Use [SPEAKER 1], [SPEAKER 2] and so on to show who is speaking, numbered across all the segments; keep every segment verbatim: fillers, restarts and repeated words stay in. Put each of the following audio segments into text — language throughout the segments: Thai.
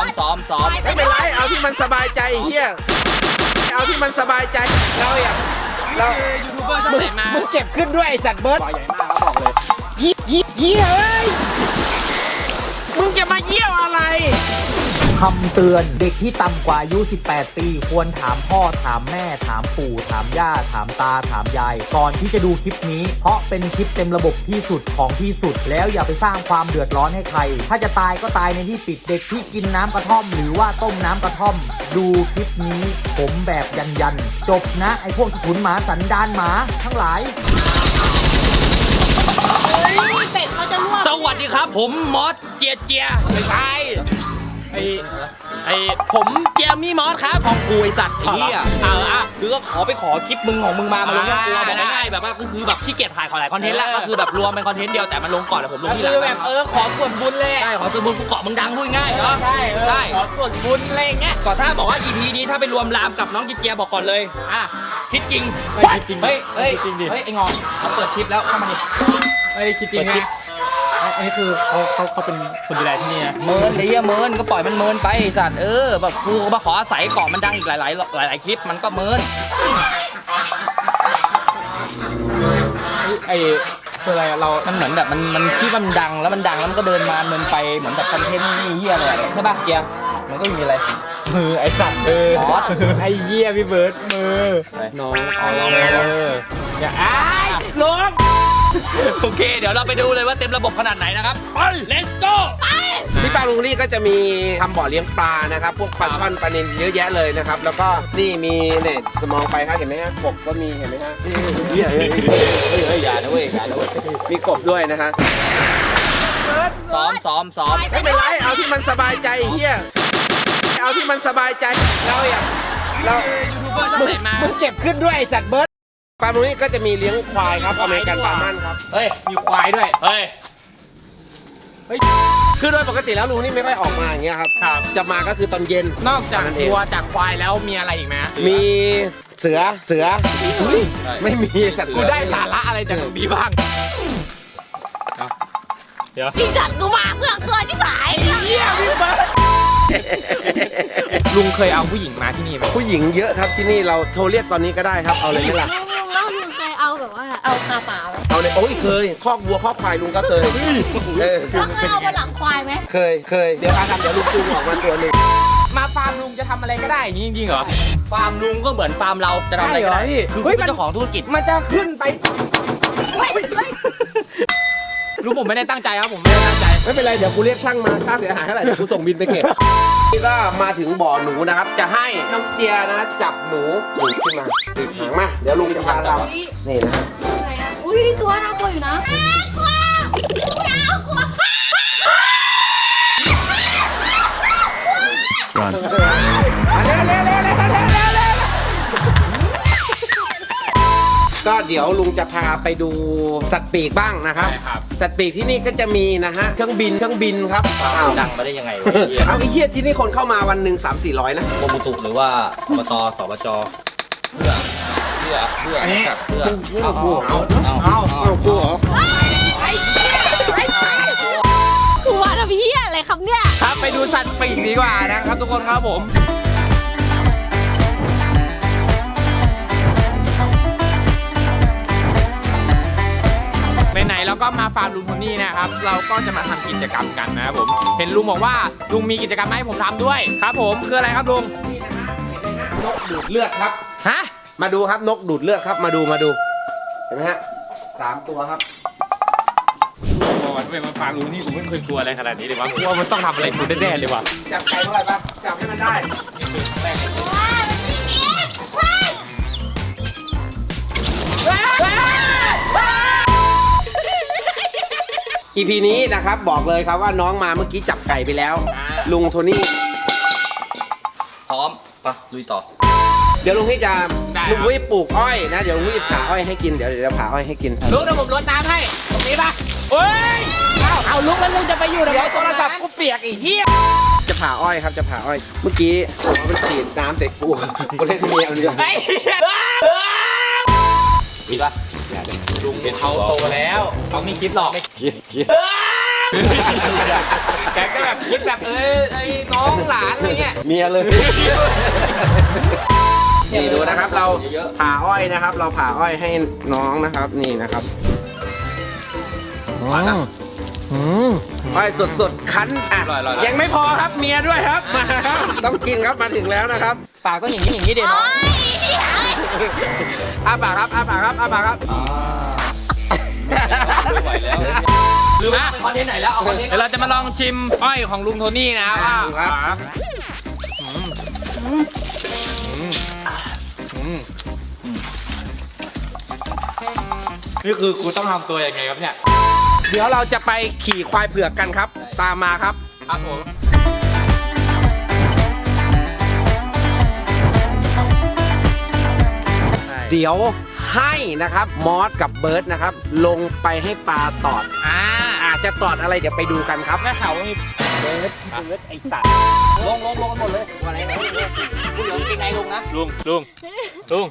[SPEAKER 1] ซ้อมซ้อม
[SPEAKER 2] ไม่เป็นไรเอาที่มันสบายใจเฮียเอาที่มันสบายใจเราอยากเรา
[SPEAKER 1] ยูทูบเบอร์ช่องไหนมา
[SPEAKER 3] มึงเก็บขึ้นด้วยไอสัตว์เบิร์ด
[SPEAKER 2] ปล่อยใหญ่มากเขาบอกเลย
[SPEAKER 3] ยี่ยี่ยี่เฮ้ยมึงจะมาเยี่ยวอะไรคำเตือนเด็กที่ต่ำกว่าอายุสิบแปดปีควรถามพ่อถามแม่ถามปู่ถามย่าถามตาถามยายก่อนที่จะดูคลิปนี้เพราะเป็นคลิปเต็มระบบที่สุดของที่สุดแล้วอย่าไปสร้างความเดือดร้อนให้ใครถ้าจะตายก็ตายในที่ปิดเด็กที่กินน้ำกระท่อมหรือว่าต้มน้ำกระท่อมดูคลิปนี้ผมแบบยันยันจบนะไอพวกสกุลหมาสันดานหมาทั้งหลาย
[SPEAKER 4] เป็ดเขาจะลวก
[SPEAKER 1] สวัสดีครับผมมอสเจียเจียไม่ใช่ไอไอผมเจียมี่มอสครับของกูไอสัตว์ไอ้เหี้ยเอออ่ะคือก็ขอไปขอคลิปมึงของมึงมามาลงกับกูบอกง่ายๆแบบว่าก็คือแบบขี้เกียจถ่ายขอหลายคอนเทนต์แล้วก็คือแบบรวมเป็นคอนเทนต์เดียวแต่มันลงก่อนแล้วผมลงทีหลัง
[SPEAKER 3] คือแบบเออขอส่วนบุญเลย
[SPEAKER 1] ใช่ขอส่วนบุญกูเกาะมึงดังพูดง่ายเนาะ
[SPEAKER 3] ใช่ใช่ขอส่วนบุญอะไรเงี้ย
[SPEAKER 1] ก่อนถ้าบอกว่า อี พี นี้ถ้าไปรวมรามกับน้องเจียบอกก่อนเลยอ่ะคิดจริง
[SPEAKER 3] ไม่คิดจริง
[SPEAKER 1] เฮ้ยเฮ้ย
[SPEAKER 3] จริงดิ
[SPEAKER 1] เฮ้ยไอ้งอนเขาเปิดคลิปแล้วเข้ามาดิ
[SPEAKER 3] ไม่ได้คิดจริงนะอันนี้คือเขาเขาเขาเป็นคนดูแลที่นี่นะ
[SPEAKER 1] เมินไอ้เหี้ยเมินก็ปล่อยมันเมินไปไอ้สัตว์เออแบบกูก็มาขออาศัยเกาะมันดังอีกหลายหลายหลายหลายคลิปมันก็เมิน
[SPEAKER 3] ไอ้คืออะไรเรา
[SPEAKER 1] มันเหมือนแบบมันมันคิดว่ามันดังแล้วมันดังแล้วมันก็เดินมาเมินไปเหมือนแบบคอนเทนต์นี่เหี้ยอะไรใช่ป่ะเจียมันก็มีอะไร
[SPEAKER 3] มือไอ้สัตว์มือ
[SPEAKER 1] มอส
[SPEAKER 3] ไอ้เหี้ยพี่เบิร์ดมือน้องอ๋ออย่าอ้ายลง
[SPEAKER 1] โอเคเดี๋ยวเราไปดูเลยว่าเต็มระบบขนาดไหนนะครับไป let's go
[SPEAKER 2] ที่ปลาลุงลี่ก็จะมีทำบ่อเลี้ยงปลานะครับพวกปลาช่อนปลานิลเยอะแยะเลยนะครับแล้วก็นี่มีเนี่ยมองไปครับเห็นไหมฮะกบก็มีเห็นไหมฮะเฮ้ยเฮ้ยเฮ้ยอย่านะเว้ยอย่านะเว้ยมีกบด้วยนะฮะ
[SPEAKER 1] ซ้อมซ้อมซ้อม
[SPEAKER 2] ไม่เป็นไรเอาที่มันสบายใจเฮียเอาที่มันสบายใจเราอยากเรา
[SPEAKER 1] ยูทูบเบอร์ช่องไหนมา
[SPEAKER 3] มึงเก็บขึ้นด้วยไอ้สัตว์เบิร์ด
[SPEAKER 2] ปลาลุงลี่ก็จะมีเลี้ยงควายครับอเมริกันปลามั่นครับ
[SPEAKER 1] เฮ้ย
[SPEAKER 3] มีควายด้วย
[SPEAKER 1] เฮ้ย
[SPEAKER 2] คือโดยปกติแล้วลุงนี่ไม่ค่อยออกมาอย่างเงี้ยครับจะมาก็คือตอนเย็น
[SPEAKER 3] นอกจากวัวจากควายแล้วมีอะไรอีกไหม
[SPEAKER 2] มีเสือเสือไม่มีสัตว์
[SPEAKER 3] กูได้สาระอะไรจากตรงนี้บ้าง เดี๋ยว
[SPEAKER 4] ที่จัดกูมาเพื่อตัวที่หาย
[SPEAKER 3] เหี้ยพี่เบิร์ดลุงเคยเอาผู้หญิงมาที่นี่ไหม
[SPEAKER 2] ผู้หญิงเยอะครับที่นี่เราโทรเรียกตอนนี้ก็ได้ครับเอาเลยไหมล่ะ
[SPEAKER 4] ลุงลุงแล้วลุงเคยเอาแบบว่าเอาคาเปล่าไหม
[SPEAKER 2] เอาเลยโอ้ยเคยคอกวัวคอกควายลุงก็เคยเออ
[SPEAKER 4] แล้วเคยเอาบนหลังควายไหม
[SPEAKER 2] เคยเคยเดี๋ยวอาทำเดี๋ยวลุงจูงออกมาตัวหนึ่ง
[SPEAKER 3] มาฟาร์มลุงจะทำอะไรก็ได้อย่างนี้จริงๆเหรอ
[SPEAKER 1] ฟาร์มลุงก็เหมือนฟาร์มเราจะทำอะไรก็ได้
[SPEAKER 3] ใช่เหรอพี่
[SPEAKER 1] คือ
[SPEAKER 3] เฮ้
[SPEAKER 1] คุ
[SPEAKER 3] ย
[SPEAKER 1] ณเป็นเจ้าของธุรกิจ
[SPEAKER 3] มันจะขึ้นไป
[SPEAKER 4] เฮ้ยเฮ้ย
[SPEAKER 3] ลุงผมไม่ได้ตั้งใจครับผมไม่ได้ตั้งใจ
[SPEAKER 2] ไม่เป็นไรเดี๋ยวกูเรียกช่างมาค่าเสียหายเท่าไหร่เดี๋ยวกูส่งบินไปเก็บนี่ก็มาถึงบ่อหนูนะครับจะให้น้องเจียนะจับหนูหนูขึ้นมาติดหางมาเดี๋ยวลุงจะพาเรานี่นะ
[SPEAKER 4] อะไรอะอุ้ยตัวน่ากลัวอยู่นะน่ากลัวน่ากลัว
[SPEAKER 3] เร็วเร็วเร็วเร็วเร็วเร็วเร็วเร็ว
[SPEAKER 2] ก็เดี๋ยวลุงจะพาไปดูสัตว์ปีกบ้างนะครับ สัตว์ปีกที่นี่ก็จะมีนะฮะเครื่องบินเครื่องบินครับอ้าว
[SPEAKER 1] ดังมาได้ยังไงวะเหี้ย
[SPEAKER 2] เอาไอ้เหี้ยที่นี่คนเข้ามาวันหนึ่งสามสี่ร้อยนะ
[SPEAKER 1] กรมอุตุหรือว่าอบตสบจเพื่อเพื่อเพื่อกับเพื่อเอาเอาเอาเอา
[SPEAKER 2] เอากูเหรอ
[SPEAKER 4] กลัวนะพี่อะไรครับเนี่ย
[SPEAKER 3] ครับไปดูสัตว์ปีกดีกว่านะครับทุกคนครับผมไหนๆเราก็มาฟาร์มลุงโทนี่นะครับเราก็จะมาทำกิจกรรมกันนะครับผมเห็นลุงบอกว่าลุงมีกิจกรรมให้ผมทำด้วยครับผมคืออะไรครับลุง
[SPEAKER 2] นี่นะฮะเห็นไหมฮะนกดูดเลือดครับ
[SPEAKER 3] ฮะ
[SPEAKER 2] มาดูครับนกดูดเลือดครับมาดูมาดูเห็นไหมฮะสามตัวครับ
[SPEAKER 3] ก่อนไปมาฟาร์มลุงนี่ผมไม่เคยกลัวอะไรขนาดนี้เลยวะกลัวมันต้องทำอะไรกูแน่ๆเลยวะ
[SPEAKER 2] จับไก่เท่าไหร่ปะจับให้มันได้ อี พี นี้นะครับบอกเลยครับว่าน้องมาเมื่อกี้จับไก่ไปแล้ว ลุงโทนี่
[SPEAKER 1] พร้อมปะลุยต่อ
[SPEAKER 2] เดี๋ยวลุงพี่จะลุงพี่ปลูกอ้อยนะเดี๋ยวลุงพี่ผ่าอ้อยให้กินเดี๋ยวเดี๋ยวผ่าอ้อยให้กิน
[SPEAKER 3] ลุงเดี๋ยวผมรดน้ำให้ตรงนี้ปะเฮ้ยเอาเอาลุงแล้วลุงจะไปอยู่ไหน
[SPEAKER 2] เดี๋ยวโทรศัพท์กูเปียกอีกเหี้ยจะผ่าอ้อยครับจะผ่าอ้อย เมื่อกี้ผมเอามันฉีดน้ำเด็กกูกูเล่นเมียเอาเดียว
[SPEAKER 3] ไอ้
[SPEAKER 1] มีปะ
[SPEAKER 3] ลุงเขาโตแล้วเขาไม่คิดหรอก
[SPEAKER 1] คิดคิดแกก็แบบคิดแบบเอ้ยไอ้น้องหลานอะไรเงี้ย
[SPEAKER 2] เมียเลยนี่ดูนะครับเราผ่าอ้อยนะครับ เราผ่าอ้อยให้น้องนะครับนี่นะครับอ้อยสดๆคั้นอ่ะยังไม่พอครับเมียด้วยครับมาครับต้องกินครับมาถึงแล้วนะครับ
[SPEAKER 1] ปากก็อย่างนี้อย่างนี้เด็น้อง
[SPEAKER 2] อ้าปากครับอ้าปากครับอ้าปากครับ
[SPEAKER 1] ไม่ไหวแล้วหรือว่าคอนเทนต์ไหนแล้วเอาคอนเทนต์เดี๋ยวเราจะมาลองชิมอ้อยของลุงโทนี่นะครับครับนี่คือกูต้องทำตัวยังไงครับเนี่ย
[SPEAKER 2] เดี๋ยวเราจะไปขี่ควายเผือกกันครับ ตามมาครับ
[SPEAKER 1] ครับผม
[SPEAKER 2] เดี๋ยวให้นะครับมอสกับเบิร์ดนะครับ ลงไปให้ปลาตอด
[SPEAKER 1] อ่า
[SPEAKER 2] อาจจะตอดอะไรเดี๋ยวไปดูกันครับ
[SPEAKER 1] แม่เขามีเบิร์ดเบิร์ดไอสัตว์ลงลงลงหมดเลยอะไรนะกูเหลือกินไงลุงนะลุงลุงลุง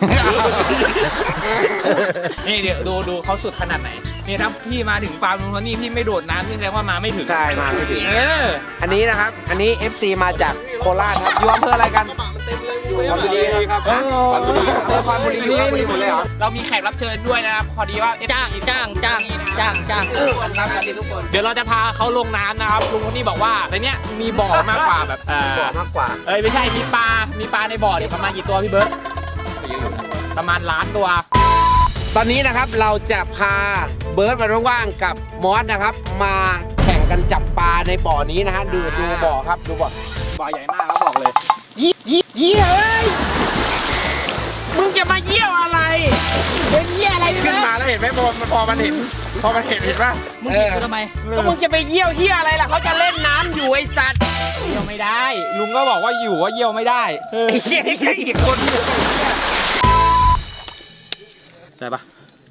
[SPEAKER 1] นี่เดี๋ยวดูดูเขาสุดขนาดไหนนี่ถ้าพี่มาถึงฟาร์มลุงโทนี่พี่ไม่โดดน้ำนี่แสดงว่ามาไม่ถึง
[SPEAKER 2] ใช่มาไม่ถึง
[SPEAKER 1] เออ
[SPEAKER 2] อันนี้นะครับ อันนี้ เอฟ ซี มาจากโคราชครับอยู่อำเภออะไรกันอยู่คอนบุรีครับคอนบุรีอำเภอคอนบุรีอยู่คอนบุรีหมดเลยเหรอ
[SPEAKER 1] เรามีแขกรับเชิญด้วยนะครับพอดีว่าจ้างจ้างจ้างจ้างจ้าง
[SPEAKER 2] ครับสวัสดีทุกคน
[SPEAKER 1] เดี๋ยวเราจะพาเขาลงน้ำนะครับลุงโทนี่บอกว่าในเนี้ยมีบ่อมากกว่าแบบเออ
[SPEAKER 2] บอกมากกว่า
[SPEAKER 1] เอ้ยไม่ใช่มีปลา มีปลาในบ่อเนี่ยประมาณกี่ตัวพี่เบิร์ตประมาณล้านตัว
[SPEAKER 2] ตอนนี้นะครับเราจะพาเบิร์ดมาว่างๆกับมอสนะครับ มาแข่งกันจับปลาในบ่อนี้นะฮะดูดูบ่อครับดูบ่อบ่อใหญ่มากครับบอกเลย
[SPEAKER 1] ยี่ยี่ยี่เฮ้ย
[SPEAKER 2] มึงจะมาเยี่ยวอะไร
[SPEAKER 1] เป็นยี่อะไร
[SPEAKER 2] ขึ้นมาแล้วเห็นไหมพอมันพอมันเห็นพอมันเห็นเห็นป่ะ
[SPEAKER 1] มึงเห็นกูทำไม
[SPEAKER 2] ก็มึงจะไปเยี่ยวเยี่ยอะไรล่ะเขาจะเล่นน้ำอยู่ไอ้สัตว์
[SPEAKER 1] เยี่ยวไม่ได้ ลุงก็บอกว่าอยู่ว่าเยี่ยวไม่ได้
[SPEAKER 2] ไอ้เชี่ยนี่แค่อีกคน
[SPEAKER 1] ใช่ปะ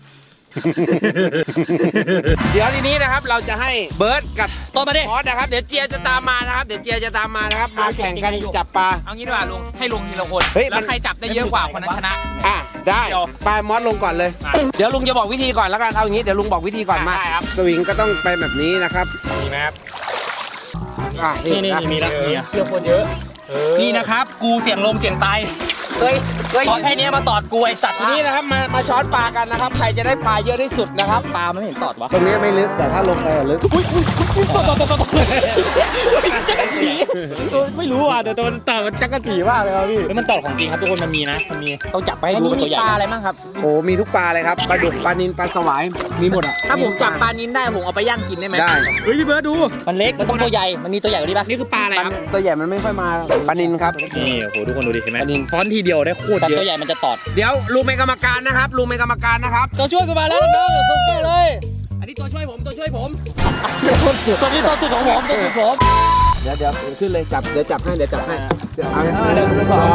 [SPEAKER 2] เดี๋ยวทีนี้นะครับเราจะให้เบิร์ดกับ
[SPEAKER 1] ต้นมาดิ
[SPEAKER 2] มอสนะครับเดี๋ยวเจียจะตามมานะครับเดี๋ยวเจียจะตามมานะครับมาแข่งกันจับปลา
[SPEAKER 1] เอางี้ดีกว่าลุง ให้ลุงทีละคน
[SPEAKER 2] เฮ้ยมัน
[SPEAKER 1] แล้วใครจับได้เยอะกว่าคนนั้นชนะ
[SPEAKER 2] อ่ะได้
[SPEAKER 1] เดี๋ยว
[SPEAKER 2] ไปมอสลงก่อนเลย
[SPEAKER 1] อ่ะ
[SPEAKER 2] เดี๋ยวลุงจะบอกวิธีก่อนแล้วกันเอาอย่างนี้เดี๋ยวลุงบอกวิธีก่อนมา
[SPEAKER 1] ได้ครับ
[SPEAKER 2] สวิงก็ต้องไปแบบนี้นะครับ
[SPEAKER 1] มีไหมครับ
[SPEAKER 2] อ่ะ
[SPEAKER 1] นี่นี่มีแล้วมีเยอะคนเยอะนี่นะครับ กูเสียงลมเสียงตายเฮ้ยเฮ้ยขอแค่นี้มาตอดกูไอสัตว์
[SPEAKER 2] ทีนี้นะครับมามาช้อนปลากันนะครับใครจะได้ปลาเยอะที่สุดนะครับ
[SPEAKER 1] ปลามันไม่เห็นตอดวะ
[SPEAKER 2] ตรงนี้ไม่ลึกแต่ถ้าลงไปอะลึก
[SPEAKER 1] ไม่รู้อ่ะแต่ตัวมันตอดมันจักรจีมากเลยครับพี่แล้วมันตอดของจริงครับทุกคนมันมีนะมันมีต้องจับไปให้ดูเป็นตัวใหญ่ปลาอะไรบ้างครับ
[SPEAKER 2] โอ้มีทุกปลาเลยครับปลาดุกปลานิลปลาสวายมีหมดอ่ะ
[SPEAKER 1] ถ้าผมจับปลานิ้นได้ผมเอาไปย่างกินได้ไหม
[SPEAKER 2] ได้
[SPEAKER 1] เฮ้ยพี่เบิร์ดดูมันเล็กมันต้องตัวใหญ่มันมีตัวใหญ่กว่านี้ป่ะนี่คือปลาอะไรครับ
[SPEAKER 2] ตัวใหญ่มันไม่ค่อยมาปลานิลครับ
[SPEAKER 1] นี่โอ้โหทุกคนดูดิเห็นไหม
[SPEAKER 2] ปลานิล
[SPEAKER 1] ช้อนทีเดียวได้โคตรเยอะตัวใหญ่มันจะตอด
[SPEAKER 2] เดี๋ยวลุงเป็นกรรมการนะครับลุงเป็นกรรมการนะครับ
[SPEAKER 1] ตัวช่วยกูมาแล้วน้องๆส่งเข้าเลย อันนี้ตัวช่วยผมตัวช่วยผมตัวนี้ตัวสุดของผมตัวสุดผม
[SPEAKER 2] เดี๋ยวเดี๋ยวขึ้นเลยจับเดี๋ยวจับให้เดี๋ยวจับให้เดี๋ยวเอา
[SPEAKER 1] เดี๋ยวดูก่อน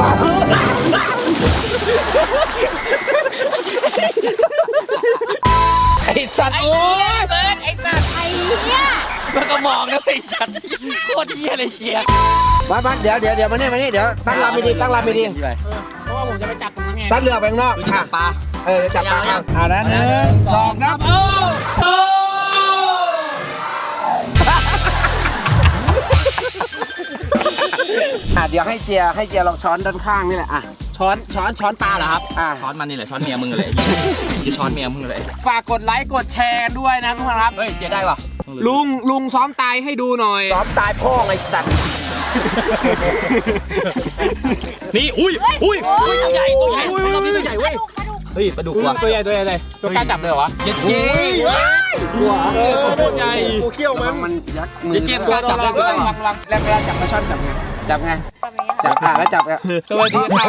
[SPEAKER 2] ไอ้สัตว์
[SPEAKER 1] ไอ้เหี้ยเบิร์ดไอ้สัตว์
[SPEAKER 4] ไอ้เนี่ย
[SPEAKER 1] แล้วก็มองนะไอ้สัตว์โคตรเหี้ยเลยเชียร์
[SPEAKER 2] มามาเดี๋ยวเดี๋ยวเดี๋ยวมาเนี่ยมาเนี่ยเดี๋ยวตั้งลำดีๆตั้งลำดี
[SPEAKER 1] เพราะว่าผมจะไปจับตรงนั้นไง
[SPEAKER 2] ๆซัดเรือไปข้างนอก
[SPEAKER 1] ดูจั
[SPEAKER 2] อ่ะ
[SPEAKER 1] บปลา
[SPEAKER 2] เออจับปลาครับอ่านั้นหนึ่งสองครับ
[SPEAKER 1] โอ้โห
[SPEAKER 2] อ่ะเดี๋ยวให้เจียให้เจียลองช้อนด้านข้างนี่แหละอ่ะ
[SPEAKER 1] ช้อนช้อนช้อนปลาเหรอครับ
[SPEAKER 2] อ่า
[SPEAKER 1] ช้อนมันนี่แหละช้อนเมียมึงเลยยี่ช้อนเมียมึงเลยฝากกดไลค์กดแชร์ด้วยนะทุกคนครับเฮ้ยเจ๊ได้ป่ะลุงลุงซ้อมตายให้ดูหน่อย
[SPEAKER 2] ซ้อมตายพ่อไอ้สัตว์
[SPEAKER 1] นี่อุ้ยอุ้ยอุ้ยตัวใหญ่ตัวใหญ่เรามีตัวใหญ่เว้ย
[SPEAKER 4] ปลาดุกปลาดุก
[SPEAKER 1] เฮ้ยปลาดุกว่ะตัวใหญ่ตัวใหญ่เลยตัวกล้าจับเลยเหรอวะเย็ดเย้ตัวเออตัวใหญ่
[SPEAKER 2] ตัวเขี้ยวมันมันยักมือ
[SPEAKER 1] เย็ดตัวจับเลยตัวลังลัง
[SPEAKER 2] แล้วเวลาจับปลาช่อนจับไงจับไงจับอ่ะแล้วจับอ่ะ
[SPEAKER 1] สวัสดีครับ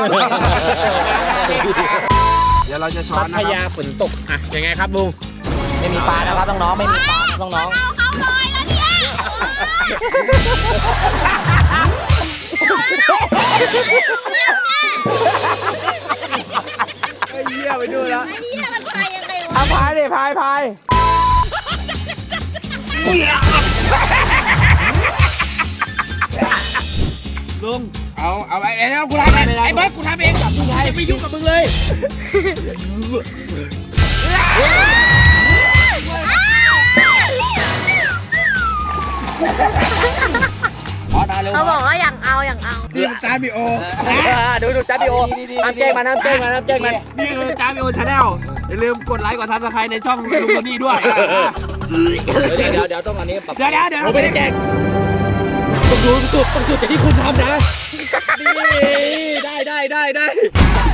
[SPEAKER 2] เดี๋ยวเราจะช้อ
[SPEAKER 1] พั
[SPEAKER 2] น
[SPEAKER 1] ท
[SPEAKER 2] นะค
[SPEAKER 1] ยา
[SPEAKER 2] รับ
[SPEAKER 1] ฝนตกอ่ะยังไงครับลุงไม่มีปลานะครับน้องๆไม่มีปลาน้อง
[SPEAKER 4] เอาเขาเลยแล้วเนี่ย
[SPEAKER 2] ไอ้เหี้ยไปดูแล้ว
[SPEAKER 4] ไอ้เนี่ยมันพายยังไงวะ
[SPEAKER 2] เอาพายดิพายพายลุงเอาเอาไอ้ไอ้กูทำเองไอ้เบิร์ดกูทำเองจับมึงไง
[SPEAKER 1] ๆไม่ยุ่งกับมึงเลย
[SPEAKER 2] เ
[SPEAKER 1] มอสมาเร็ว
[SPEAKER 4] เขาบอกว่าอย่างเอาอย่างเอา
[SPEAKER 2] นี่มันตามบีโอ
[SPEAKER 1] ดูดูจ้าพี่โอห้ามแจ้งมันห้ามแจ้งมันห้ามแจ้งมัน
[SPEAKER 2] นี่คือจ้าบีโอชาแนลอย่าลืมกดไลค์กดซับสไครต์ในช่องลุงโทนี่ด้วย
[SPEAKER 1] เดี๋ยวเดี๋ยวเดี๋ยวต้องอันนี้ปรับ
[SPEAKER 2] เดี๋ยวเดี๋ยวเดี๋ยว
[SPEAKER 1] ผมไม่ได้แจ้งต้องดูสุดต้องสุดจากที่คุณทำนะ
[SPEAKER 2] นี่ได้ได้ได้ได้